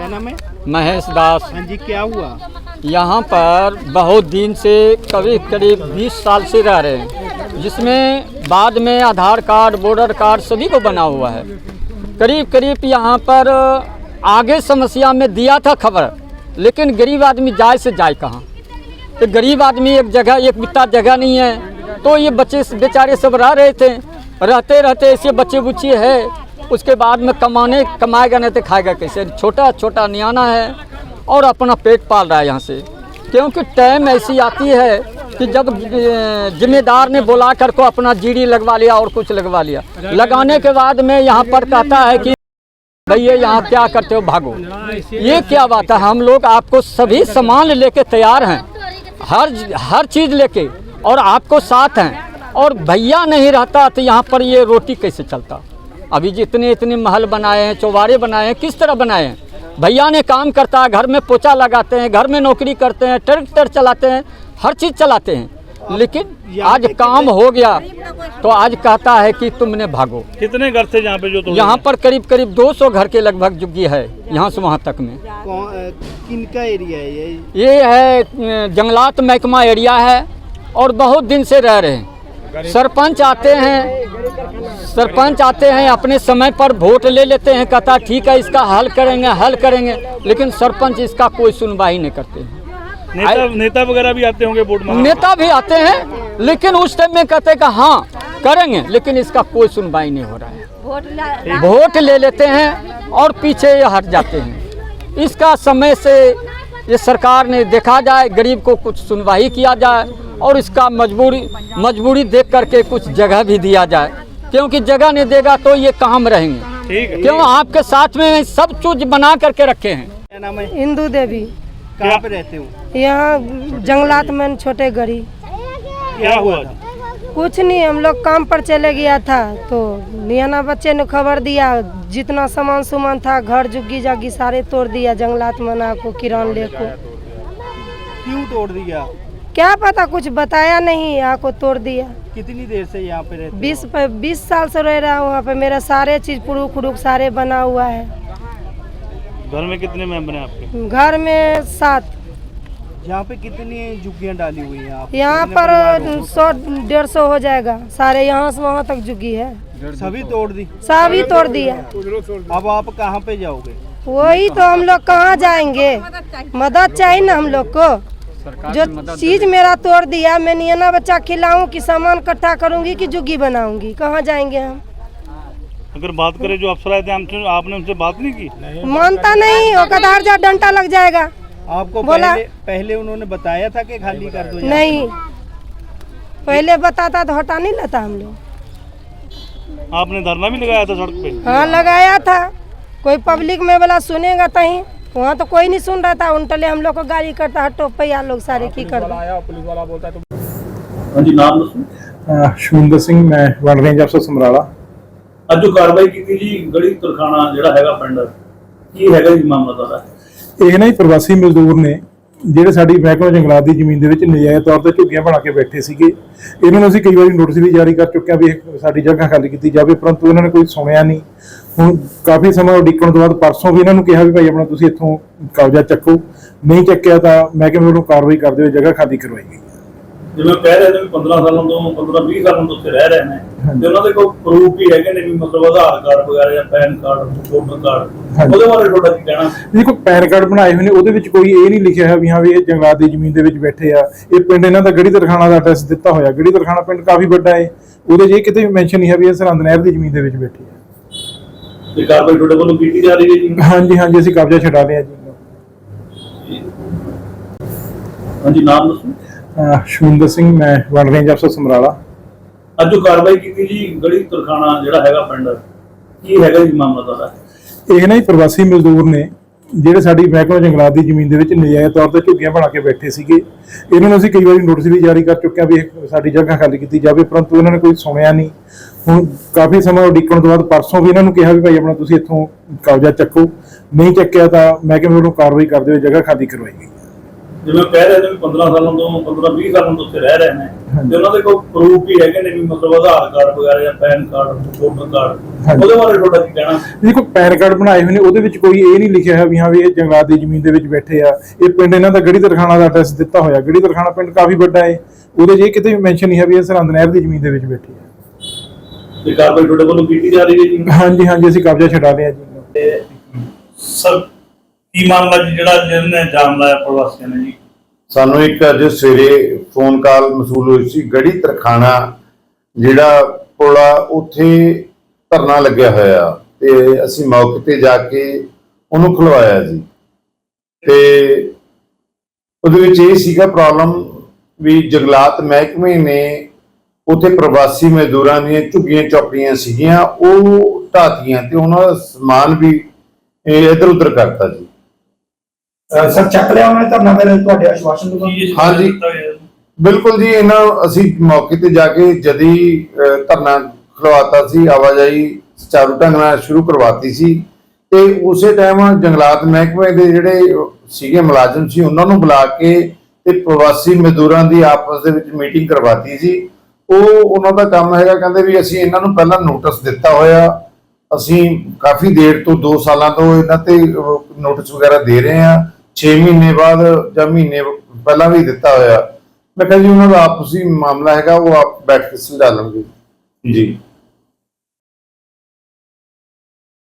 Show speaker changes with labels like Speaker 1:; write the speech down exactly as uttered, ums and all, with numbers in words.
Speaker 1: क्या नाम है?
Speaker 2: महेश दास।
Speaker 1: हाँ जी, क्या हुआ?
Speaker 2: यहाँ पर बहुत दिन से करीब करीब बीस साल से रह रहे हैं, जिसमें बाद में आधार कार्ड, वोटर कार्ड सभी को बना हुआ है। करीब करीब यहाँ पर आगे समस्या में दिया था खबर, लेकिन गरीब आदमी जाए से जाए कहाँ। तो गरीब आदमी एक जगह, एक बित्ता जगह नहीं है, तो ये बच्चे बेचारे सब रह रहे थे। रहते रहते ऐसे बच्चे बुच्चे है, उसके बाद में कमाने कमाएगा नहीं तो खाएगा कैसे। छोटा छोटा नियाना है और अपना पेट पाल रहा है यहाँ से। क्योंकि टाइम ऐसी आती है कि जब जिम्मेदार ने बुला कर को अपना जीडी लगवा लिया और कुछ लगवा लिया, लगाने के बाद में यहाँ पर कहता है कि भैया यहाँ क्या करते हो, भागो। ये क्या बात है? हम लोग आपको सभी सामान लेके तैयार हैं, हर हर चीज़ लेके, और आपको साथ हैं। और भैया नहीं रहता तो यहाँ पर ये रोटी कैसे चलता? अभी जितने इतने महल बनाए हैं, चौबारे बनाए हैं, किस तरह बनाए हैं? भैया ने काम करता है, घर में पोछा लगाते हैं, घर में नौकरी करते हैं, ट्रैक्टर चलाते हैं, हर चीज़ चलाते हैं। लेकिन आज काम हो गया तो आज कहता है कि तुमने भागो।
Speaker 3: कितने घर थे यहाँ पे जो?
Speaker 2: यहाँ पर करीब करीब दो सौ घर के लगभग जुग्गी है, यहाँ से वहाँ तक में।
Speaker 1: किनका एरिया है ये?
Speaker 2: ये है जंगलात महकमा एरिया है और बहुत दिन से रह रहे हैं। सरपंच आते हैं, सरपंच आते हैं अपने समय पर वोट ले लेते हैं, कहता ठीक है इसका हल करेंगे हल करेंगे, लेकिन सरपंच इसका कोई सुनवाई नहीं करते हैं।
Speaker 3: नेता नेता वगैरह भी आते होंगे वोट मांगने?
Speaker 2: नेता भी आते हैं, लेकिन उस टाइम में कहते हैं कि हाँ करेंगे, लेकिन इसका कोई सुनवाई नहीं हो रहा है। वोट ले लेते हैं और पीछे हट जाते हैं। इसका समय से ये सरकार ने देखा जाए, गरीब को कुछ सुनवाई किया जाए और इसका मजबूरी मजबूरी देख करके कुछ जगह भी दिया जाए, क्योंकि जगह नहीं देगा तो ये कहाँ में रहेंगे?
Speaker 3: ठीक है।
Speaker 2: क्यों आपके साथ में सब चीज बना करके रखे हैं।
Speaker 1: क्या नाम है?
Speaker 4: इंदू देवी।
Speaker 1: कहाँ पे रहते हो?
Speaker 4: यहाँ जंगलात में छोटे गरी।
Speaker 1: क्या हुआ था?
Speaker 4: कुछ नहीं, हम लोग काम पर चले गया था तो नियाना बच्चे ने खबर दिया, जितना सामान सामान था घर जुग्गी जागी सारे तोड़ दिया जंगलात मना को, किरान ले को।
Speaker 1: क्यों तोड़ दिया?
Speaker 4: क्या पता, कुछ बताया नहीं, यहाँ को तोड़ दिया।
Speaker 1: कितनी देर से यहाँ पे रहते हो?
Speaker 4: बीस बीस साल से रह रहा हूँ वहाँ पे, मेरा सारे चीज पुरुख खुरुक सारे बना हुआ है।
Speaker 3: घर में कितने मेंबर हैं आपके?
Speaker 4: घर में सात।
Speaker 1: यहाँ पे कितनी झुग्गियाँ डाली हुई हैं आप?
Speaker 4: यहाँ पर सौ डेढ़ सौ हो जाएगा, सारे यहाँ से वहाँ तक झुग्गी है।
Speaker 1: सभी तोड़ दी?
Speaker 4: सभी तोड़ दिया।
Speaker 1: अब आप कहाँ पे जाओगे?
Speaker 4: वही तो, हम लोग कहाँ जाएंगे? मदद चाहिए ना हम लोग को। जो चीज मेरा तोड़ दिया, मैं नियाना बच्चा खिलाऊं कि सामान इकट्ठा करूंगी कि जुग्गी बनाऊंगी? कहाँ जाएंगे हम?
Speaker 3: अगर बात करें जो अफसर आए थे हमसे, आपने उनसे बात नहीं की?
Speaker 4: मानता नहीं, वो कदार जा डंटा लग जाएगा।
Speaker 1: आपको
Speaker 4: बोला
Speaker 1: पहले, पहले उन्होंने बताया था कि खाली कर दो?
Speaker 4: नहीं, पहले बताता तो हटा नहीं लेता हम लोग।
Speaker 3: आपने धरना भी लगाया था सड़क पे?
Speaker 4: हाँ लगाया था, कोई पब्लिक में बोला सुनेगा तहीं, वहाँ तो कोई नहीं सुन रहा था। उनटले हम लोग को गाड़ी करता हटो पैया लोग सारे की कर दो।
Speaker 3: हाँ जी, नाम
Speaker 5: ਸ਼ੂੰਦਰ ਸਿੰਘ, मैं वन रेंज अफसर ਸਮਰਾਲਾ।
Speaker 3: ਅੱਜ ਜੋ ਕਾਰਵਾਈ ਕੀਤੀ ਜੀ ਗੜੀ ਤਰਖਾਣਾ ਜਿਹੜਾ ਹੈਗਾ ਪਿੰਡ, ਕੀ ਹੈਗਾ ਜੀ ਮਾਮਲਾ ਸਾਰਾ?
Speaker 5: ਇਹ ਨਾ ਹੀ ਪ੍ਰਵਾਸੀ ਮਜ਼ਦੂਰ ਨੇ ਜਿਹੜੇ ਸਾਡੀ ਮਹਿਕਮਾ ਜੰਗਲਾਤ ਦੀ ਜ਼ਮੀਨ ਦੇ ਵਿੱਚ ਨਜਾਇਜ਼ ਤੌਰ ਤੇ ਝੁੱਗੀਆਂ ਬਣਾ ਕੇ ਬੈਠੇ ਸੀਗੇ। ਇਹਨਾਂ ਨੂੰ ਅਸੀਂ ਕਈ ਵਾਰੀ ਨੋਟਿਸ ਵੀ ਜਾਰੀ ਕਰ ਚੁੱਕੇ ਹਾਂ ਵੀ ਸਾਡੀ ਜਗ੍ਹਾ ਖਾਲੀ ਕੀਤੀ ਜਾਵੇ, ਪਰੰਤੂ ਇਹਨਾਂ ਨੇ ਕੋਈ ਸੁਣਿਆ ਨਹੀਂ। ਹੁਣ ਕਾਫੀ ਸਮਾਂ ਉਡੀਕਣ ਤੋਂ ਬਾਅਦ ਪਰਸੋਂ ਵੀ ਇਹਨਾਂ ਨੂੰ ਕਿਹਾ ਵੀ ਭਾਈ ਆਪਣਾ ਤੁਸੀਂ ਇੱਥੋਂ ਕਬਜ਼ਾ ਚੱਕੋ, ਨਹੀਂ ਚੱਕਿਆ ਤਾਂ ਮਹਿਕਮੇ ਵੱਲੋਂ ਕਾਰਵਾਈ ਕਰਦੇ ਹੋਏ ਜਗ੍ਹਾ ਖਾਲੀ ਕਰਵਾਈ ਗਈ।
Speaker 3: ਜਿਵੇਂ ਕਹਿ ਰਹੇ ਨੇ ਵੀ ਪੰਦਰਾਂ ਸਾਲਾਂ ਤੋਂ ਪੰਦਰਾਂ ਵੀਹ ਸਾਲਾਂ ਤੋਂ ਉੱਥੇ ਰਹਿ ਰਹੇ ਨੇ, ਤੇ ਉਹਨਾਂ ਦੇ ਕੋਈ ਪ੍ਰੂਫ ਵੀ ਹੈਗੇ ਨੇ ਵੀ ਮਤਲਬ ਆਧਾਰ ਕਾਰਡ ਵਗੈਰਾ ਜਾਂ ਪੈਨ ਕਾਰਡ, ਵੋਟਰ ਕਾਰਡ, ਉਹਦੇ ਬਾਰੇ ਤੁਹਾਡਾ ਕੀ ਕਹਿਣਾ?
Speaker 5: ਦੇਖੋ ਪੈਨ ਕਾਰਡ ਬਣਾਏ ਹੋਏ ਨੇ, ਉਹਦੇ ਵਿੱਚ ਕੋਈ ਇਹ ਨਹੀਂ ਲਿਖਿਆ ਹੈ ਵੀ ਹਾਂ ਵੀ ਇਹ ਜੰਗਲਾਤ ਦੀ ਜ਼ਮੀਨ ਦੇ ਵਿੱਚ ਬੈਠੇ ਆ। ਇਹ ਪਿੰਡ ਇਹਨਾਂ ਦਾ ਗੜੀ ਤਰਖਾਣਾ ਦਾ ਐਡਰੈਸ ਦਿੱਤਾ ਹੋਇਆ। ਗੜੀ ਤਰਖਾਣਾ ਪਿੰਡ ਕਾਫੀ ਵੱਡਾ ਹੈ, ਉਹਦੇ 'ਚ ਇਹ ਕਿਤੇ ਵੀ ਮੈਂਸ਼ਨ ਨਹੀਂ ਹੈ ਵੀ ਇਹ ਸਰਹੰਦ ਨਹਿਰ ਦੀ ਜ਼ਮੀਨ ਦੇ ਵਿੱਚ ਬੈਠੇ ਆ।
Speaker 3: ਤੇ ਕਾਰਵਾਈ ਤੁਹਾਡੇ ਵੱਲੋਂ ਕੀਤੀ ਜਾ ਰਹੀ ਹੈ ਜੀ?
Speaker 5: ਹਾਂਜੀ ਹਾਂਜੀ, ਅਸੀਂ ਕਬਜ਼ਾ ਛਡਾ ਲਿਆ ਜੀ।
Speaker 3: ਹਾਂਜੀ, ਨਾਮ ਦੱਸੋ।
Speaker 5: ਸ਼ੂੰਦਰ ਸਿੰਘ, मैं वन रेंज अफसर ਸਮਰਾਲਾ।
Speaker 3: ਅੱਜ ਜੋ ਕਾਰਵਾਈ ਕੀਤੀ ਜੀ ਗੜੀ ਤਰਖਾਣਾ ਜਿਹੜਾ ਹੈਗਾ ਪਿੰਡ, ਕੀ ਹੈਗਾ ਜੀ ਮਾਮਲਾ ਸਾਰਾ?
Speaker 5: ਇਹ ਨਾ ਹੀ ਪ੍ਰਵਾਸੀ ਮਜ਼ਦੂਰ ਨੇ ਜਿਹੜੇ ਸਾਡੀ ਮਹਿਕਮਾ ਜੰਗਲਾਤ ਦੀ ਜ਼ਮੀਨ ਦੇ ਵਿੱਚ ਨਜਾਇਜ਼ ਤੌਰ ਤੇ ਝੁੱਗੀਆਂ ਬਣਾ ਕੇ ਬੈਠੇ ਸੀਗੇ। ਇਹਨਾਂ ਨੂੰ ਅਸੀਂ ਕਈ ਵਾਰੀ ਨੋਟਿਸ ਵੀ ਜਾਰੀ ਕਰ ਚੁੱਕੇ ਹਾਂ ਵੀ ਸਾਡੀ ਜਗ੍ਹਾ ਖਾਲੀ ਕੀਤੀ ਜਾਵੇ, ਪਰੰਤੂ ਇਹਨਾਂ ਨੇ ਕੋਈ ਸੁਣਿਆ ਨਹੀਂ। ਹੁਣ ਕਾਫੀ ਸਮਾਂ ਉਡੀਕਣ ਤੋਂ ਬਾਅਦ ਪਰਸੋਂ ਵੀ ਇਹਨਾਂ ਨੂੰ ਕਿਹਾ ਵੀ ਭਾਈ ਆਪਣਾ ਤੁਸੀਂ ਇੱਥੋਂ ਕਬਜ਼ਾ ਚੱਕੋ, ਨਹੀਂ ਚੱਕਿਆ ਤਾਂ ਮਹਿਕਮੇ ਵੱਲੋਂ ਕਾਰਵਾਈ ਕਰਦੇ ਹੋਏ ਜਗ੍ਹਾ ਖਾਲੀ ਕਰਵਾਈ ਗਈ।
Speaker 3: ਜਿਵੇਂ ਕਹਿ ਰਹੇ ਨੇ ਵੀ ਪੰਦਰਾਂ ਸਾਲਾਂ ਤੋਂ ਪੰਦਰਾਂ ਵੀਹ ਸਾਲਾਂ ਤੋਂ ਉੱਥੇ ਰਹਿ ਰਹੇ ਨੇ ਤੇ ਉਹਨਾਂ ਦੇ ਕੋਲ ਪ੍ਰੂਫ ਵੀ ਹੈਗੇ ਨੇ ਵੀ ਮਤਲਬ ਆਧਾਰ ਕਾਰਡ ਵਗੈਰਾ ਜਾਂ ਪੈਨ ਕਾਰਡ ਵੋਟਰ ਕਾਰਡ ਉਹਦੇ ਬਾਰੇ ਤੁਹਾਡਾ ਕੀ ਕਹਿਣਾ?
Speaker 5: ਦੇਖੋ ਪੈਨ ਕਾਰਡ ਬਣਾਏ ਹੋਏ ਨੇ ਉਹਦੇ ਵਿੱਚ ਕੋਈ ਇਹ ਨਹੀਂ ਲਿਖਿਆ ਹੋਇਆ ਵੀ ਹਾਂ ਵੀ ਇਹ ਜੰਗਲਾਤ ਦੀ ਜ਼ਮੀਨ ਦੇ ਵਿੱਚ ਬੈਠੇ ਆ। ਇਹ ਪਿੰਡ ਇਹਨਾਂ ਦਾ ਗੜੀ ਤਰਖਾਣਾ ਦਾ ਐਡਰੈਸ ਦਿੱਤਾ ਹੋਇਆ। ਗੜੀ ਤਰਖਾਣਾ ਪਿੰਡ ਕਾਫੀ ਵੱਡਾ ਹੈ, ਉਹਦੇ 'ਚ ਇਹ ਕਿਤੇ ਵੀ ਮੈਂਸ਼ਨ ਨਹੀਂ ਹੈ ਵੀ ਇਹ ਸਰਹੰਦ ਨਹਿਰ ਦੀ ਜ਼ਮੀਨ ਦੇ ਵਿੱਚ ਬੈਠੇ ਆ।
Speaker 3: ਤੇ ਕਾਰਵਾਈ ਤੁਹਾਡੇ ਵੱਲੋਂ ਕੀਤੀ ਜਾ ਰਹੀ ਹੈ ਜੀ?
Speaker 5: ਹਾਂਜੀ ਹਾਂਜੀ ਅਸੀਂ ਕਬਜ਼ਾ ਛਡਾ ਲਿਆ ਜੀ।
Speaker 3: ਤੇ ਸਰ ਕੀ ਮਾਮਲਾ ਜੀ ਜਿਹੜਾ ਜਿਹਨੇ ਜਾਮ ਲਾਇਆ ਪ੍ਰਵਾਸੀਆਂ ਨੇ ਜੀ?
Speaker 6: ਸਾਨੂੰ ਇੱਕ ਅੱਜ ਸਵੇਰੇ ਫੋਨ ਕਾਲ ਮਸੂਲ ਹੋਈ ਸੀ। ਗੜੀ ਤਰਖਾਣਾ ਜਿਹੜਾ ਪੁਲ ਆ ਉੱਥੇ ਧਰਨਾ ਲੱਗਿਆ ਹੋਇਆ ਤੇ ਅਸੀਂ ਮੌਕੇ ਤੇ ਜਾ ਕੇ ਉਹਨੂੰ ਖੁਲਵਾਇਆ ਜੀ। ਤੇ ਉਹਦੇ ਵਿੱਚ ਇਹ ਸੀਗਾ ਪ੍ਰੋਬਲਮ ਵੀ ਜੰਗਲਾਤ ਮਹਿਕਮੇ ਨੇ ਉੱਥੇ ਪ੍ਰਵਾਸੀ ਮਜ਼ਦੂਰਾਂ ਦੀਆਂ ਝੁੱਗੀਆਂ ਚੌਪੜੀਆਂ ਸੀਗੀਆਂ ਉਹ ਢਾਤੀਆਂ ਤੇ ਉਹਨਾਂ ਦਾ ਸਮਾਨ ਵੀ ਇੱਧਰ ਉੱਧਰ ਕਰਤਾ ਜੀ।
Speaker 7: ਸਰ ਚੱਕ ਲਿਆ ਉਹਨੇ ਧਰਨਾ ਫਿਰ ਤੁਹਾਡੇ ਆਸ਼ਵਾਸਨ ਤੋਂ?
Speaker 6: ਹਾਂਜੀ ਬਿਲਕੁਲ ਜੀ, ਇਹਨਾਂ ਅਸੀਂ ਮੌਕੇ ਤੇ ਜਾ ਕੇ ਜਦੀ ਧਰਨਾ ਖਲਵਾਤਾ ਸੀ, ਆਵਾਜਾਈ ਸੁਚਾਰੂ ਢੰਗ ਨਾਲ ਸ਼ੁਰੂ ਕਰਵਾਤੀ ਸੀ ਤੇ ਉਸੇ ਟਾਈਮ ਜੰਗਲਾਤ ਮਹਿਕਮੇ ਦੇ ਜਿਹੜੇ ਸੀਗੇ ਮੁਲਾਜ਼ਮ ਸੀ ਉਹਨਾਂ ਨੂੰ ਬੁਲਾ ਕੇ ਤੇ ਪ੍ਰਵਾਸੀ ਮਜ਼ਦੂਰਾਂ ਦੀ ਆਪਸ ਦੇ ਵਿੱਚ ਮੀਟਿੰਗ ਕਰਵਾਤੀ ਸੀ। ਉਹ ਉਹਨਾਂ ਦਾ ਕੰਮ ਹੈਗਾ, ਕਹਿੰਦੇ ਵੀ ਅਸੀਂ ਇਹਨਾਂ ਨੂੰ ਪਹਿਲਾਂ ਨੋਟਿਸ ਦਿੱਤਾ ਹੋਇਆ, ਅਸੀਂ ਕਾਫੀ ਦੇਰ ਤੋਂ ਦੋ ਸਾਲਾਂ ਤੋਂ ਇਹਨਾਂ ਤੇ ਨੋਟਿਸ ਵਗੈਰਾ ਦੇ ਰਹੇ ਹਾਂ, ਛੇ ਮਹੀਨੇ ਬਾਅਦ ਜਾਂ ਮਹੀਨੇ ਪਹਿਲਾਂ ਵੀ ਦਿੱਤਾ ਹੋਇਆ। ਮੈਂ ਕਿਹਾ ਜੀ ਉਹਨਾਂ ਦਾ ਆਪਸੀ ਮਾਮਲਾ ਹੈਗਾ, ਉਹ ਆਪ ਬੈਠ ਕੇ ਸੁਲਝਾ ਲੈਣਗੇ ਜੀ।